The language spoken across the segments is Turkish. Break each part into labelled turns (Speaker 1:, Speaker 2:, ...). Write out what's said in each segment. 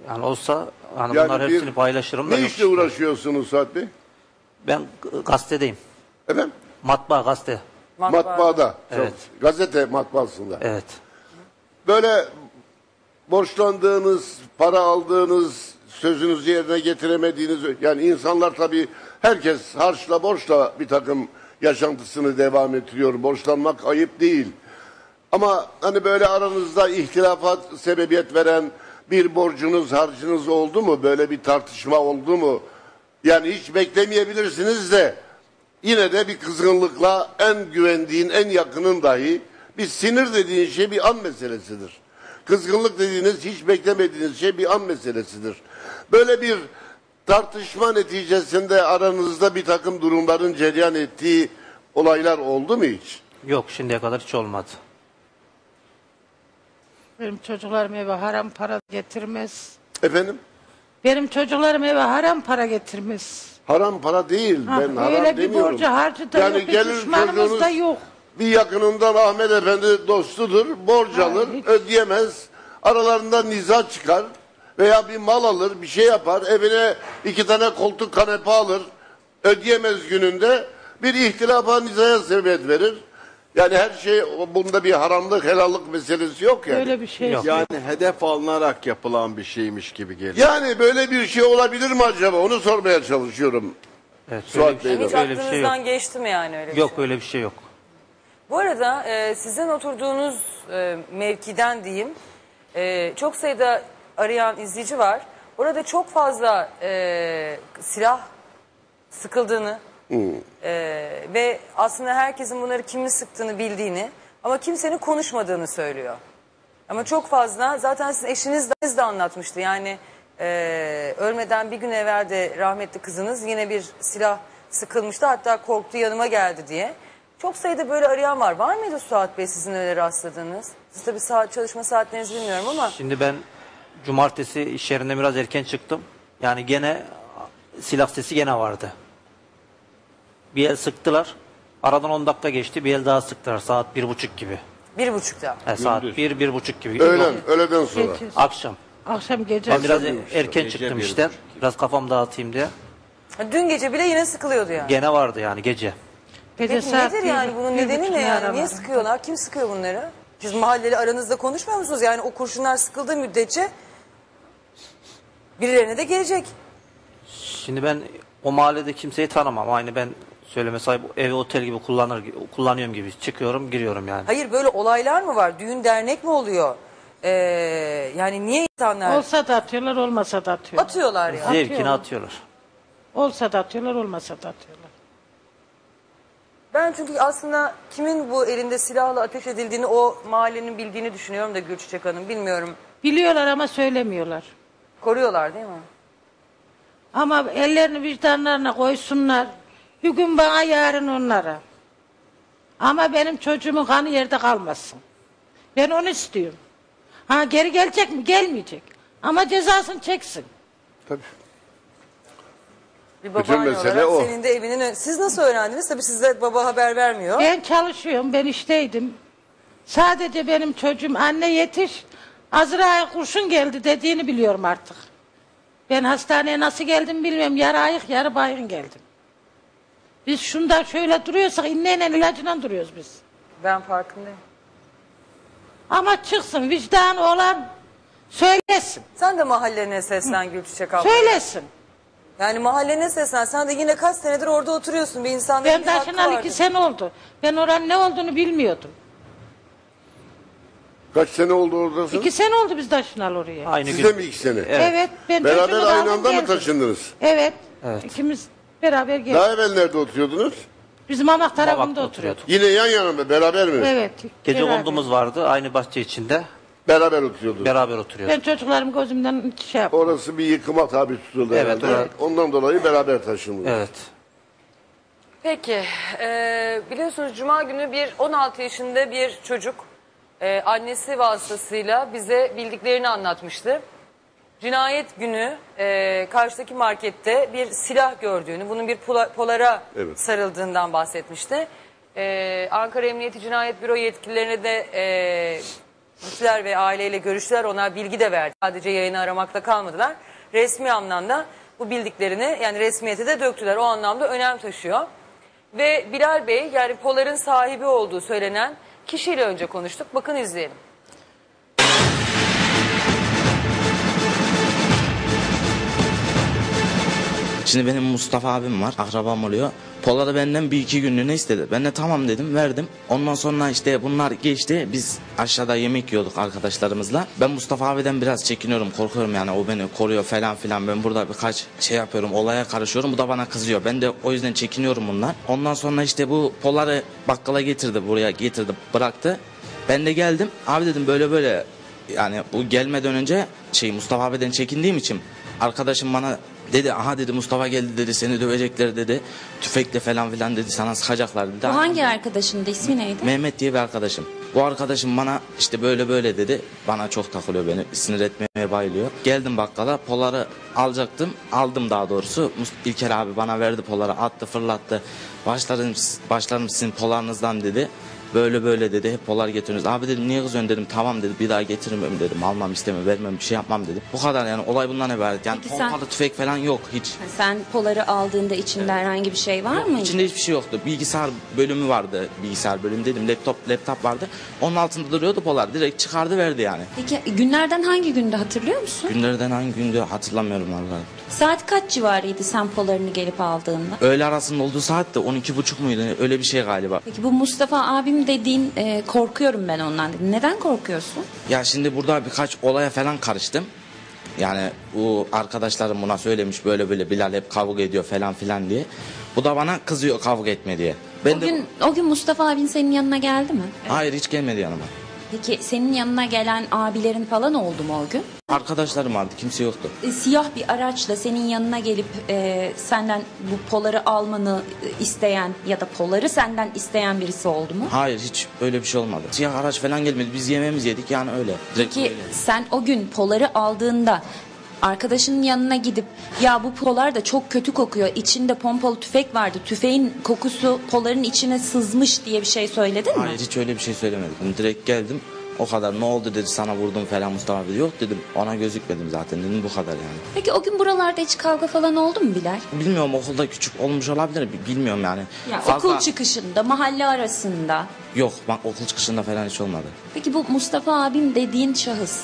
Speaker 1: Yani olsa hani
Speaker 2: Yani
Speaker 1: bunlar hepsini paylaşırım da
Speaker 2: ne
Speaker 1: yok
Speaker 2: işle
Speaker 1: işte.
Speaker 2: uğraşıyorsunuz Suat Bey?
Speaker 1: Ben gazetedeyim.
Speaker 2: Efendim?
Speaker 1: Matbaa gazete.
Speaker 2: Matbaada.
Speaker 1: Evet.
Speaker 2: Gazete matbaasında.
Speaker 1: Evet.
Speaker 2: Böyle borçlandığınız, para aldığınız, sözünüzü yerine getiremediğiniz, yani insanlar tabii herkes harçla borçla bir takım yaşantısını devam ettiriyor. Borçlanmak ayıp değil. Ama hani böyle aranızda ihtilafat sebebiyet veren bir borcunuz, harcınız oldu mu? Böyle bir tartışma oldu mu? Yani hiç beklemeyebilirsiniz de yine de bir kızgınlıkla en güvendiğin, en yakının dahi bir sinir dediğin şey bir an meselesidir. Kızgınlık dediğiniz hiç beklemediğiniz şey bir an meselesidir. Böyle bir tartışma neticesinde aranızda bir takım durumların cereyan ettiği olaylar oldu mu hiç?
Speaker 1: Yok, şimdiye kadar hiç olmadı.
Speaker 3: Benim çocuklarım eve haram para getirmez.
Speaker 2: Efendim?
Speaker 3: Benim çocuklarım eve haram para getirmez.
Speaker 2: Haram para değil.
Speaker 3: Ha,
Speaker 2: Ben haram
Speaker 3: öyle bir
Speaker 2: demiyorum.
Speaker 3: borcu harcı da yok, bir
Speaker 2: gelir
Speaker 3: düşmanımız
Speaker 2: çocuğunuz
Speaker 3: da yok.
Speaker 2: bir yakınından Ahmet Efendi dostudur. Borç alır,
Speaker 3: hiç.
Speaker 2: ödeyemez. Aralarında niza çıkar. Veya bir mal alır, bir şey yapar. Evine 2 tane koltuk kanepe alır. Ödeyemez gününde. Bir ihtilafa nizaya sebebiyet verir. Yani her şey, bunda bir haramlık, helallık meselesi yok yani.
Speaker 3: Öyle bir şey
Speaker 1: Yok.
Speaker 3: yok.
Speaker 4: Yani hedef alınarak yapılan bir şeymiş gibi geliyor.
Speaker 2: Yani böyle bir şey olabilir mi acaba? Onu sormaya çalışıyorum.
Speaker 1: Evet,
Speaker 2: Suat
Speaker 1: öyle bir şey,
Speaker 2: Bey'den.
Speaker 5: Hiç
Speaker 1: öyle bir şey yok.
Speaker 5: aklınızdan geçti mi yani öyle bir
Speaker 1: Yok,
Speaker 5: şey?
Speaker 1: öyle bir şey yok.
Speaker 5: Bu arada sizin oturduğunuz mevkiden diyeyim, çok sayıda arayan izleyici var. Orada çok fazla silah sıkıldığını ve aslında herkesin bunları kimin sıktığını bildiğini ama kimsenin konuşmadığını söylüyor. Ama çok fazla, zaten sizin eşiniz de anlatmıştı. Yani ölmeden bir gün evvel de rahmetli kızınız yine bir silah sıkılmıştı. Hatta korktu, yanıma geldi diye. Çok sayıda böyle arayan var. Var mıydı Suat Bey sizin öyle rastladığınız? Siz tabii çalışma saatlerinizi bilmiyorum ama.
Speaker 1: Şimdi ben cumartesi iş yerinden biraz erken çıktım. Yani gene silah sesi gene vardı. Bir el sıktılar. Aradan 10 dakika geçti. Bir el daha sıktılar. Saat 1.30 gibi.
Speaker 5: 1.30'da.
Speaker 1: Saat 1-1.30 gibi.
Speaker 2: Öğleden sonra.
Speaker 3: Gece,
Speaker 1: Akşam.
Speaker 3: akşam gece.
Speaker 1: Ben biraz
Speaker 2: Akşam
Speaker 1: erken
Speaker 4: Gece
Speaker 1: çıktım
Speaker 4: 1.30.
Speaker 1: işte. Biraz kafam dağıtayım diye.
Speaker 5: Dün gece bile yine sıkılıyordu yani.
Speaker 1: Gene vardı yani gece.
Speaker 3: Gece
Speaker 5: Peki
Speaker 3: saat
Speaker 5: nedir yani, bunun nedeni ne
Speaker 3: 1.30
Speaker 5: yani? Niye
Speaker 3: araları.
Speaker 5: sıkıyorlar? Kim sıkıyor bunları? Siz mahalleli aranızda konuşmuyor musunuz? Yani o kurşunlar sıkıldığı müddetçe birilerine de gelecek.
Speaker 1: Şimdi ben o mahallede kimseyi tanımam. Aynı ben söyleme sahip evi otel gibi kullanıyorum gibi. Çıkıyorum, giriyorum yani.
Speaker 5: Hayır, böyle olaylar mı var? Düğün dernek mi oluyor? Yani niye insanlar
Speaker 3: Olsa da atıyorlar, olmasa da atıyorlar.
Speaker 5: atıyorlar ya?
Speaker 1: Zevkini atıyorlar.
Speaker 3: Olsa da atıyorlar, olmasa da atıyorlar.
Speaker 5: Ben çünkü aslında kimin bu elinde silahla ateş edildiğini o mahallenin bildiğini düşünüyorum da Gülçiçek Hanım, bilmiyorum.
Speaker 3: Biliyorlar ama söylemiyorlar.
Speaker 5: Koruyorlar değil mi?
Speaker 3: Ama ellerini vicdanlarına koysunlar. Bir gün bana, yarın onlara. Ama benim çocuğumun kanı yerde kalmasın. Ben onu istiyorum. Ha, geri gelecek mi? Gelmeyecek. Ama cezasını çeksin.
Speaker 2: Tabii.
Speaker 5: Bir
Speaker 2: Bütün
Speaker 5: babaanne
Speaker 2: mesele
Speaker 5: olarak
Speaker 2: o.
Speaker 5: senin de evinin... Siz nasıl öğrendiniz? Tabii size baba haber vermiyor.
Speaker 3: Ben çalışıyorum, ben işteydim. Sadece benim çocuğum anne yetiş, Azra'ya kurşun geldi dediğini biliyorum artık. Ben hastaneye nasıl geldim bilmiyorum. Yarı ayık, yarı baygın geldim. Biz şunda şöyle duruyorsak inneyle ilacıyla duruyoruz biz.
Speaker 5: Ben farkındayım.
Speaker 3: Ama çıksın, vicdanı olan söylesin.
Speaker 5: Sen de mahalline seslen Gülçiçek abla.
Speaker 3: Söylesin.
Speaker 5: Yani mahallene seslen. Sen de yine kaç senedir orada oturuyorsun. Bir insanda
Speaker 3: Ben
Speaker 5: bir hakkı
Speaker 3: taşınalı
Speaker 5: vardır.
Speaker 3: 2 sene oldu. Ben oranın ne olduğunu bilmiyordum.
Speaker 2: Kaç sene oldu oradasınız?
Speaker 3: 2 sene oldu biz taşınalı oraya.
Speaker 1: Aynı
Speaker 2: Siz
Speaker 1: gün.
Speaker 2: de mi 2 sene?
Speaker 3: Evet. Ben
Speaker 2: Beraber
Speaker 3: çocuğumu
Speaker 2: aynı
Speaker 3: aldım,
Speaker 2: anda mı
Speaker 3: geldim.
Speaker 2: taşındınız?
Speaker 3: Evet.
Speaker 1: Evet.
Speaker 3: İkimiz beraber geldik.
Speaker 2: Daha evvel nerede oturuyordunuz?
Speaker 3: Biz Mamak tarafında
Speaker 1: Mamak'ta
Speaker 3: oturuyorduk.
Speaker 2: Yine yan yana mı? Beraber mi?
Speaker 3: Evet.
Speaker 1: Gece
Speaker 3: beraber.
Speaker 1: kondumuz vardı. Aynı bahçe içinde.
Speaker 2: Beraber oturuyordunuz.
Speaker 1: Beraber oturuyorduk.
Speaker 3: Ben çocuklarım gözümden şey yaptım.
Speaker 2: Orası bir yıkıma tabi tutuldu
Speaker 1: Evet,
Speaker 2: herhalde.
Speaker 1: orası-
Speaker 2: Ondan dolayı beraber taşındınız.
Speaker 1: Evet.
Speaker 5: Peki, biliyorsunuz Cuma günü 16 yaşında bir çocuk annesi vasıtasıyla bize bildiklerini anlatmıştı. Cinayet günü karşıdaki markette bir silah gördüğünü, bunun bir polara
Speaker 2: Evet.
Speaker 5: sarıldığından bahsetmişti. Ankara Emniyeti Cinayet Büro yetkililerine de gittiler ve aileyle görüştüler. Onlar bilgi de verdi. Sadece yayını aramakla kalmadılar. Resmi anlamda bu bildiklerini yani resmiyete de döktüler. O anlamda önem taşıyor. Ve Bilal Bey yani Polar'ın sahibi olduğu söylenen kişiyle önce konuştuk. Bakın izleyelim.
Speaker 6: Şimdi benim Mustafa abim var, akrabam oluyor. Polar'ı benden 1-2 günlüğüne istedi. Ben de tamam dedim, verdim. Ondan sonra işte bunlar geçti. Biz aşağıda yemek yiyorduk arkadaşlarımızla. Ben Mustafa abiden biraz çekiniyorum, korkuyorum yani. O beni koruyor falan filan. Ben burada birkaç şey yapıyorum, olaya karışıyorum. Bu da bana kızıyor. Ben de o yüzden çekiniyorum bundan. Ondan sonra işte bu Polar'ı bakkala getirdi, buraya getirdi, bıraktı. Ben de geldim. Abi dedim böyle böyle. Yani bu gelmeden önce Mustafa abiden çekindiğim için arkadaşım bana dedi, aha dedi Mustafa geldi dedi, seni dövecekler dedi. Tüfekle falan filan dedi, sana sıkacaklar dedi.
Speaker 7: Bu hangi arkadaşındı, ismi neydi?
Speaker 6: Mehmet diye bir arkadaşım. Bu arkadaşım bana işte böyle böyle dedi. Bana çok takılıyor, beni sinir etmeye bayılıyor. Geldim bakkala, Polar'ı alacaktım. Aldım daha doğrusu. İlker abi bana verdi Polar'ı, attı fırlattı. Başlarım sizin Polar'ınızdan dedi. Böyle böyle dedi, hep Polar getiriyoruz. Abi dedim niye kızıyorsun dedim, tamam dedi, bir daha getirmem dedim, almam istemem, vermem, bir şey yapmam dedim. Bu kadar yani, olay bundan ibaret. Yani
Speaker 7: Peki sen-
Speaker 6: pompalı tüfek falan yok hiç.
Speaker 7: Sen Polar'ı aldığında içinde herhangi bir şey var mıydı?
Speaker 6: İçinde hiçbir şey yoktu. Bilgisayar bölümü vardı, bilgisayar bölümü dedim, laptop vardı. Onun altında duruyordu Polar, direkt çıkardı verdi yani.
Speaker 7: Peki günlerden hangi günde hatırlıyor musun?
Speaker 6: Günlerden hangi gündü hatırlamıyorum vallahi.
Speaker 7: Saat kaç civarıydı sen Polar'ını gelip aldığında?
Speaker 6: Öğle arasında olduğu saat de 12.30 muydu, öyle bir şey galiba.
Speaker 7: Peki bu Mustafa abim dediğin korkuyorum ben ondan dedi. Neden korkuyorsun?
Speaker 6: Ya şimdi burada birkaç olaya falan karıştım. Yani bu arkadaşlarım buna söylemiş, böyle böyle Bilal hep kavga ediyor falan filan diye. Bu da bana kızıyor kavga etme diye. Ben
Speaker 7: O gün Mustafa abin senin yanına geldi mi?
Speaker 6: Hayır, hiç gelmedi yanıma.
Speaker 7: Peki senin yanına gelen abilerin falan oldu mu o gün?
Speaker 6: Arkadaşlarım vardı, kimse yoktu.
Speaker 7: Siyah bir araçla senin yanına gelip senden bu Polar'ı almanı isteyen ya da Polar'ı senden isteyen birisi oldu mu?
Speaker 6: Hayır, hiç öyle bir şey olmadı. Siyah araç falan gelmedi, biz yemeğimizi yedik yani öyle. Direkt
Speaker 7: Peki
Speaker 6: öyle.
Speaker 7: sen o gün Polar'ı aldığında arkadaşının yanına gidip ya bu Polar da çok kötü kokuyor, içinde pompalı tüfek vardı, tüfeğin kokusu Polar'ın içine sızmış diye bir şey söyledin mi?
Speaker 6: Hayır, hiç öyle bir şey söylemedim. Direkt geldim, o kadar. Ne oldu dedi, sana vurdum falan Mustafa abi. Yok dedim, ona gözükmedim zaten dedim, bu kadar yani.
Speaker 7: Peki o gün buralarda hiç kavga falan oldu mu Bilal?
Speaker 6: Bilmiyorum, okulda küçük olmuş olabilir, bilmiyorum yani.
Speaker 7: Ya
Speaker 6: Fazla-
Speaker 7: okul çıkışında, mahalle arasında.
Speaker 6: Yok, bak okul çıkışında falan hiç olmadı.
Speaker 7: Peki bu Mustafa abim dediğin şahıs,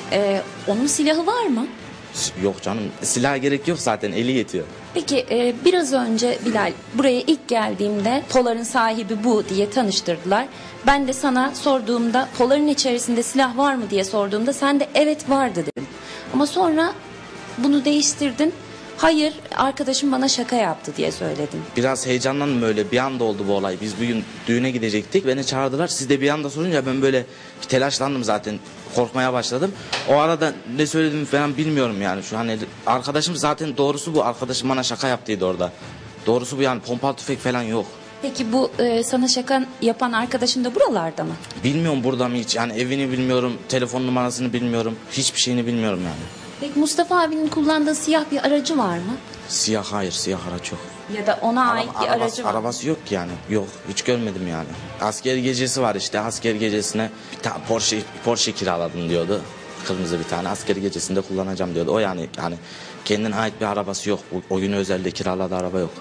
Speaker 7: onun silahı var mı?
Speaker 6: Yok canım, silaha gerek yok zaten, eli yetiyor.
Speaker 7: Peki biraz önce Bilal buraya ilk geldiğimde Polar'ın sahibi bu diye tanıştırdılar. Ben de sana sorduğumda Polar'ın içerisinde silah var mı diye sorduğumda sen de evet vardı dedin. Ama sonra bunu değiştirdin. Hayır, arkadaşım bana şaka yaptı diye söyledin.
Speaker 6: Biraz heyecanlandım, böyle bir anda oldu bu olay. Biz bugün düğüne gidecektik, beni çağırdılar. Siz de bir anda sorunca ben böyle bir telaşlandım zaten. Korkmaya başladım. O arada ne söyledim falan bilmiyorum yani. Şu hani arkadaşım zaten, doğrusu bu. Arkadaşım bana şaka yaptıydı orada. Doğrusu bu yani, pompalı tüfek falan yok.
Speaker 7: Peki bu sana şaka yapan arkadaşın da buralarda mı?
Speaker 6: Bilmiyorum burada mı hiç. Yani evini bilmiyorum, telefon numarasını bilmiyorum. Hiçbir şeyini bilmiyorum yani.
Speaker 7: Peki Mustafa abinin kullandığı siyah bir aracı var mı?
Speaker 6: Siyah, hayır, siyah araç yok.
Speaker 7: Ya da ona ait bir aracı var mı?
Speaker 6: Arabası yok ki yani. Yok, hiç görmedim yani. Asker gecesi var işte. Asker gecesine bir tane Porsche kiraladım diyordu. Kırmızı bir tane. Asker gecesinde kullanacağım diyordu. O yani kendine ait bir arabası yok. O gün özelde kiraladığı araba yok.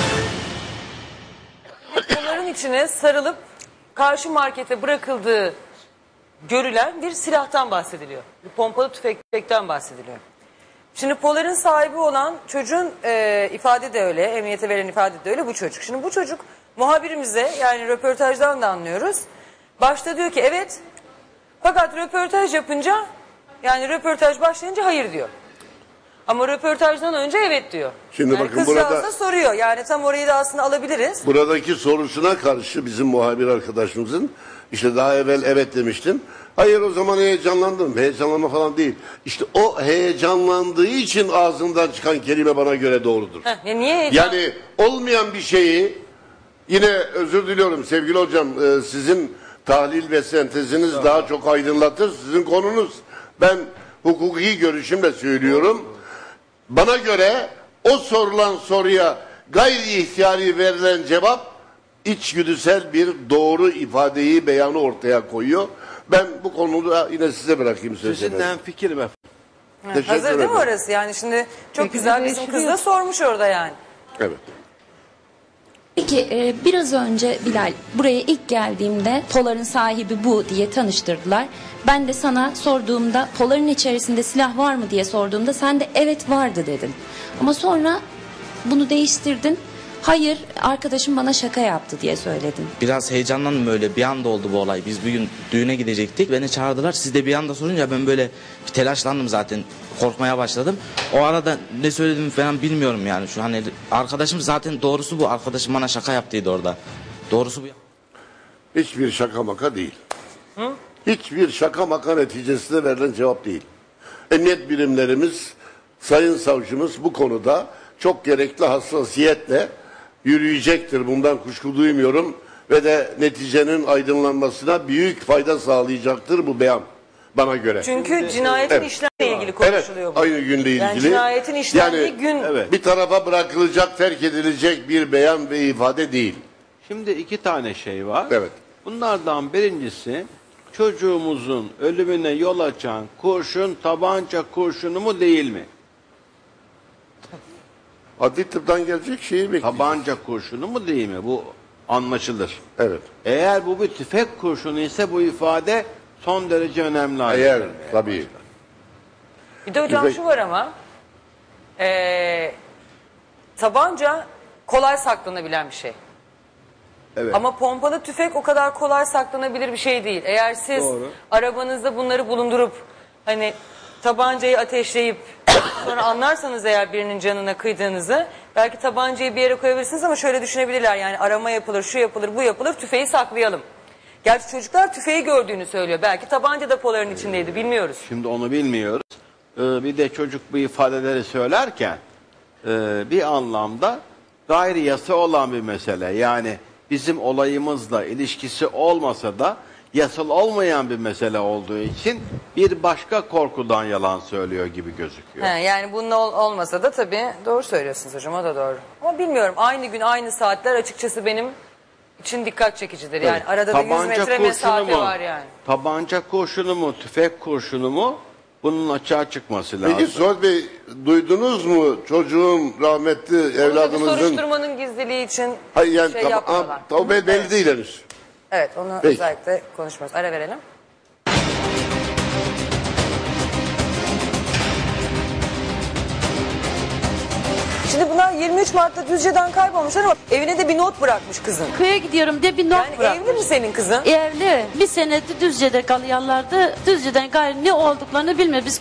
Speaker 5: Bunların içine sarılıp karşı markete bırakıldığı görülen bir silahtan bahsediliyor. Bir pompalı tüfekten bahsediliyor. Şimdi Polar'ın sahibi olan çocuğun ifade de öyle, emniyete veren ifade de öyle, bu çocuk. Şimdi bu çocuk muhabirimize, yani röportajdan da anlıyoruz. Başta diyor ki evet, fakat röportaj yapınca, yani röportaj başlayınca hayır diyor. Ama röportajdan önce evet diyor.
Speaker 2: Şimdi
Speaker 5: yani
Speaker 2: bakın
Speaker 5: kızcağız
Speaker 2: burada-
Speaker 5: da soruyor, yani tam orayı da aslında alabiliriz.
Speaker 2: Buradaki sorusuna karşı bizim muhabir arkadaşımızın işte daha evvel evet demiştim. Hayır, o zaman heyecanlandım. Heyecanlanma falan değil. İşte o heyecanlandığı için ağzından çıkan kelime bana göre doğrudur.
Speaker 5: Heh, ya niye heyecan?
Speaker 2: Yani olmayan bir şeyi, yine özür diliyorum sevgili hocam, sizin tahlil ve senteziniz daha çok aydınlatır. Sizin konunuz, ben hukuki görüşümle söylüyorum. Bana göre o sorulan soruya gayri ihtiyari verilen cevap içgüdüsel bir doğru ifadeyi, beyanı ortaya koyuyor. Ben bu konuda yine size bırakayım sözü.
Speaker 4: Sizinle fikrim efendim.
Speaker 2: Teşekkür
Speaker 5: Hazır değil mi
Speaker 2: ederim.
Speaker 5: orası? Yani şimdi çok
Speaker 3: Peki,
Speaker 5: güzel
Speaker 3: bir
Speaker 5: bizim kız da
Speaker 3: değiştiriyor.
Speaker 5: sormuş orada yani.
Speaker 2: Evet.
Speaker 7: Peki biraz önce Bilal buraya ilk geldiğimde Polar'ın sahibi bu diye tanıştırdılar. Ben de sana sorduğumda Polar'ın içerisinde silah var mı diye sorduğumda sen de evet vardı dedin. Ama sonra bunu değiştirdin. Hayır arkadaşım bana şaka yaptı diye söyledin.
Speaker 6: Biraz heyecanlandım öyle. Bir anda oldu bu olay. Biz bugün düğüne gidecektik. Beni çağırdılar. Siz de bir anda sorunca ben böyle bir telaşlandım zaten. Korkmaya başladım. O arada ne söyledim falan bilmiyorum yani. Şu hani arkadaşım zaten doğrusu bu. Arkadaşım bana şaka yaptıydı orada. Doğrusu bu.
Speaker 2: Hiçbir şaka maka değil. Hiçbir şaka maka neticesinde verilen cevap değil. Emniyet birimlerimiz, sayın savcımız bu konuda çok gerekli hassasiyetle yürüyecektir. Bundan kuşku duymuyorum ve de neticenin aydınlanmasına büyük fayda sağlayacaktır bu beyan bana göre.
Speaker 5: Çünkü cinayetin
Speaker 2: Evet.
Speaker 5: işlemle ilgili
Speaker 2: Evet,
Speaker 5: konuşuluyor bu.
Speaker 2: aynı günle ilgili.
Speaker 5: Yani cinayetin işlendiği gün.
Speaker 4: Evet.
Speaker 2: Bir tarafa bırakılacak, terk edilecek bir beyan ve ifade değil.
Speaker 4: Şimdi iki tane şey var.
Speaker 2: Evet.
Speaker 4: Bunlardan birincisi çocuğumuzun ölümüne yol açan kurşun tabanca kurşunu mu değil mi?
Speaker 2: Adli tıptan gelecek şeyi bekliyoruz.
Speaker 4: Tabanca kurşunu mu değil mi? Bu anlaşılır.
Speaker 2: Evet.
Speaker 4: Eğer bu bir tüfek kurşunu ise bu ifade son derece önemli. hale
Speaker 2: Eğer
Speaker 4: gelmeye
Speaker 2: tabii.
Speaker 4: başlar.
Speaker 5: Bir de hocam
Speaker 2: Tüfek-
Speaker 5: şu var ama tabanca kolay saklanabilen bir şey.
Speaker 4: Evet.
Speaker 5: Ama pompalı tüfek o kadar kolay saklanabilir bir şey değil. Eğer siz
Speaker 4: Doğru.
Speaker 5: arabanızda bunları bulundurup hani tabancayı ateşleyip sonra anlarsanız eğer birinin canına kıydığınızı belki tabancayı bir yere koyabilirsiniz ama şöyle düşünebilirler yani arama yapılır, şu yapılır, bu yapılır, tüfeği saklayalım. Gerçi çocuklar tüfeği gördüğünü söylüyor. Belki tabanca da Polar'ın içindeydi bilmiyoruz.
Speaker 4: Şimdi onu bilmiyoruz. Bir de çocuk bu ifadeleri söylerken bir anlamda gayri yasa olan bir mesele. Yani bizim olayımızla ilişkisi olmasa da yasal olmayan bir mesele olduğu için bir başka korkudan yalan söylüyor gibi gözüküyor.
Speaker 5: He, yani bunun olmasa da tabii doğru söylüyorsunuz hocam o da doğru. Ama bilmiyorum aynı gün aynı saatler açıkçası benim için dikkat çekicidir. Yani arada da 100 metre mesafe var yani.
Speaker 4: Tabanca kurşunu mu, tüfek kurşunu mu? Bunun açığa çıkması lazım.
Speaker 2: Peki Suat Bey duydunuz mu çocuğun rahmetli
Speaker 5: Bunu da bir
Speaker 2: evladımızın...
Speaker 5: soruşturmanın gizliliği için
Speaker 2: Hayır yani
Speaker 5: şey
Speaker 2: tamam,
Speaker 5: yapmıyorlar.
Speaker 2: o belli değil henüz.
Speaker 5: Evet onu
Speaker 2: Peki.
Speaker 5: özellikle konuşmuyoruz. Ara verelim. Şimdi bunlar 23 Mart'ta Düzce'den kaybolmuşlar ama evine de bir not bırakmış kızın.
Speaker 8: Köye gidiyorum diye bir not
Speaker 5: Yani
Speaker 8: bırakmış.
Speaker 5: evli mi senin kızın?
Speaker 8: Evli. Bir senedir Düzce'de kalıyorlardı. Düzce'den gayrı ne olduklarını bilmiyor. Biz